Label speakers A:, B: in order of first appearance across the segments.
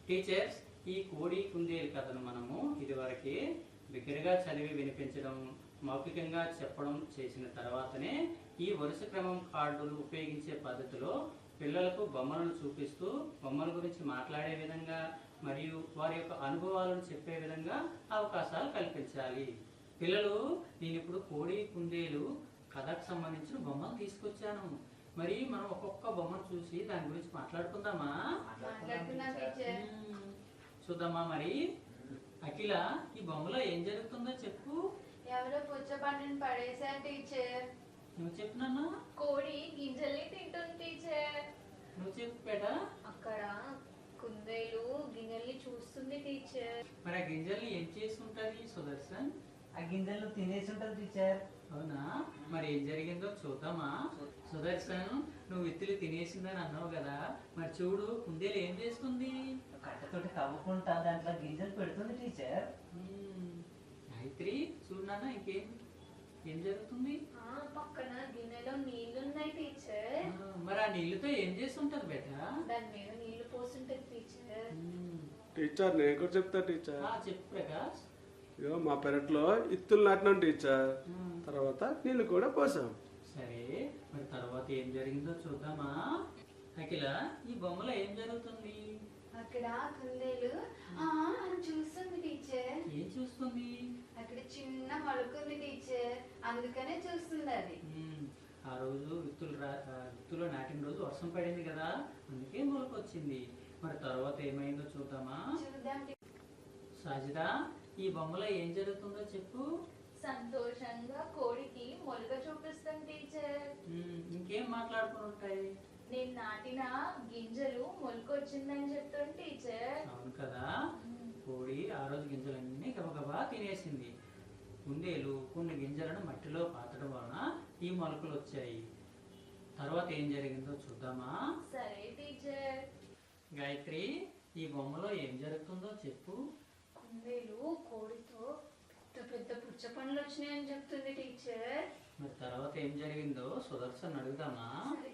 A: Teachers, ఈ కోడి కుందేలు కథను మనము ఇదివరకే బిగ్గరగా చదివి వినిపించడం, మౌఖికంగా చెప్పడం చేసిన తర్వాతనే ఈ వరుస క్రమం కార్డులు ఉపయోగించే పద్ధతిలో పిల్లలకు బొమ్మలను చూపిస్తూ బొమ్మల గురించి మాట్లాడే విధంగా మరియు వారి యొక్క అనుభవాలను చెప్పే విధంగా అవకాశాలు కల్పించాలి. పిల్లలు, నేను ఇప్పుడు కోడి కుందేలు కథకు సంబంధించిన బొమ్మలు తీసుకొచ్చాను. మరి మనం ఒక్కొక్క బొమ్మను చూసి దాని గురించి మాట్లాడుకుందామా? చూద్దామా? మరి అఖిల, ఈ బొమ్మలో ఏం జరుగుతుందో చెప్పు.
B: ఎవరో పుచ్చపండుని పడేశారు టీచర్.
A: నువ్వు చెప్పినానా?
B: కోడి గింజల్ని తింటుంది టీచర్.
A: నువ్వు చెప్పు బేట.
B: అక్కడ కుందేలు గింజల్ని చూస్తుంది టీచర్.
A: మరి ఆ గింజల్ని ఏం చేసి ఉంటది సుదర్శన్?
C: ఆ గింజలు తినేసి ఉంటది టీచర్.
A: అవునా? మరి ఏం జరిగిందో చూద్దామా? సుదర్శన్, నువ్వు విత్తులు తినేసిందని అన్నావు కదా, మరి చూడు కుందేలు ఏం చేస్తుంది?
C: కట్టతోటి తవ్వుకుంటా దాంట్లో గింజలు పెడుతుంది టీచర్.
A: గాయత్రి, చూడు నాన్న, ఏం జరుగుతుంది?
B: పక్కన గిన్నెలో నీళ్లున్నాయి టీచర్.
A: మరి ఆ నీళ్లతో ఏం చేసి ఉంటది బేట?
B: దాని మీద నీళ్లు పోస్తుంటది టీచర్.
D: టీచర్, నేను కూడా చెప్తా టీచర్.
A: చెప్పు ప్రకాష్.
D: ఇగో మా పెరట్లో ఇత్తులు నాటినాం టీచర్. తర్వాత నీళ్ళు కూడా పోసాం.
A: సరే, మరి తర్వాత ఏం జరిగిందో చూద్దామా? అఖిల, ఈ బొమ్మలో ఏం జరుగుతుంది?
B: అక్కడ కుందేలు చూస్తుంది టీచర్.
A: ఏం చూస్తుంది?
B: అక్కడ చిన్న మొలకుంది టీచర్, అందుకనే చూస్తుంది అది.
A: ఆ రోజు విత్తులు నాటిన రోజు వర్షం పడింది కదా, అందుకే మొలకొచ్చింది. మరి తర్వాత ఏమైందో చూద్దామా?
B: చూద్దాం.
A: సాజిదా, ఈ బొమ్మలో ఏం జరుగుతుందో చెప్పు.
B: సంతోషంగా కోడికి మొలక చూపిస్తాం టీచర్.
A: ఇంకేం మాట్లాడుకుని ఉంటాయి?
B: నేను నాటిన గింజలు మొలకొచ్చిందని చెప్తాను టీచర్.
A: అవును కదా, కోడి ఆ రోజు గింజలన్నీ గబగబా తినేసింది. కుందేలు కొన్ని గింజలను మట్టిలో పాతడం వలన ఈ మొలకలు వచ్చాయి. తర్వాత ఏం జరిగిందో చూద్దామా?
B: సరే టీచర్.
A: గాయత్రి, ఈ బొమ్మలో ఏం జరుగుతుందో చెప్పు.
B: కుందేలు కోడితో పెద్ద పెద్ద పుచ్చ పండ్లు వచ్చినాయని చెప్తుంది టీచర్.
A: మరి తర్వాత ఏం జరిగిందో సుదర్శన్ అడుగుదామా?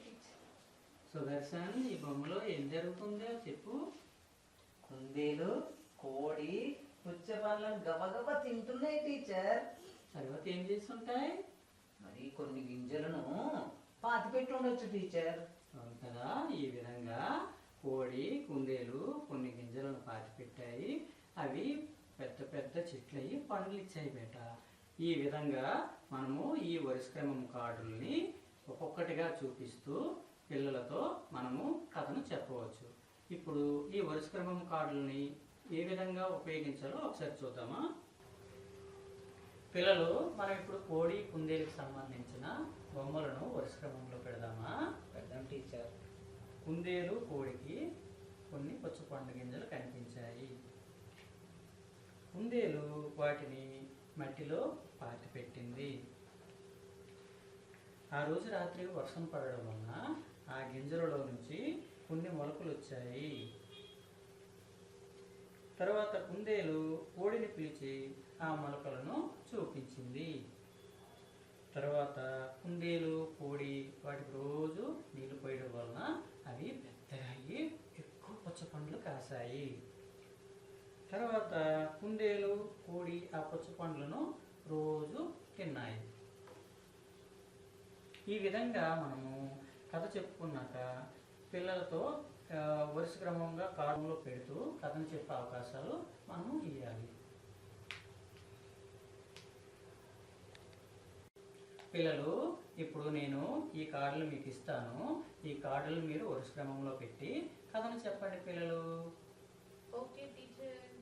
A: సుదర్శన్, ఈ బొమ్మలో ఏం జరుగుతుందో చెప్పు.
C: కుందేలు కోడి పుచ్చ పండ్లను గబగబా తింటున్నాయి టీచర్.
A: తర్వాత ఏం చేస్తుంటాయి?
C: మరి కొన్ని గింజలను పాతి పెట్టి ఉండొచ్చు టీచర్.
A: అవును కదా, ఈ విధంగా కోడి కుందేలు కొన్ని గింజలను పాతిపెట్టాయి. అవి పెద్ద పెద్ద చెట్లయి పండ్లు ఇచ్చాయి బేట. ఈ విధంగా మనము ఈ వరుస క్రమం కార్డుల్ని ఒక్కొక్కటిగా చూపిస్తూ పిల్లలతో మనము కథను చెప్పవచ్చు. ఇప్పుడు ఈ వరుస క్రమం కార్డుల్ని ఏ విధంగా ఉపయోగించాలో ఒకసారి చూద్దామా? పిల్లలు, మనం ఇప్పుడు కోడి కుందేలుకి సంబంధించిన బొమ్మలను వరుస క్రమంలో పెడదామా?
C: పెడదాం టీచర్.
A: కుందేలు కోడికి కొన్ని పుచ్చపండు గింజలు కనిపించాయి. కుందేలు వాటిని మట్టిలో పాతిపెట్టింది. ఆ రోజు రాత్రి వర్షం పడడం వలన ఆ గింజలలో నుంచి కొన్ని మొలకలు వచ్చాయి. తర్వాత కుందేలు కోడిని పిలిచి ఆ మొలకలను చూపించింది. తర్వాత కుందేలు కోడి వాటికి రోజు నీళ్లు పోయడం వలన అవి పెద్దగా అయ్యి ఎక్కువ పుచ్చపండ్లు కాసాయి. తర్వాత కుందేలు కోడి ఆ పుచ్చపండ్లను రోజు తిన్నాయి. ఈ విధంగా మనము కథ చెప్పుకున్నాక పిల్లలతో వరుస క్రమంగా కార్డులో పెడుతూ కథను చెప్పే అవకాశాలు మనము ఇవ్వాలి. పిల్లలు, ఇప్పుడు నేను ఈ కార్డులు మీకు ఇస్తాను. ఈ కార్డులు మీరు వరుస క్రమంలో పెట్టి కథను చెప్పండి పిల్లలు.
B: Okay teacher.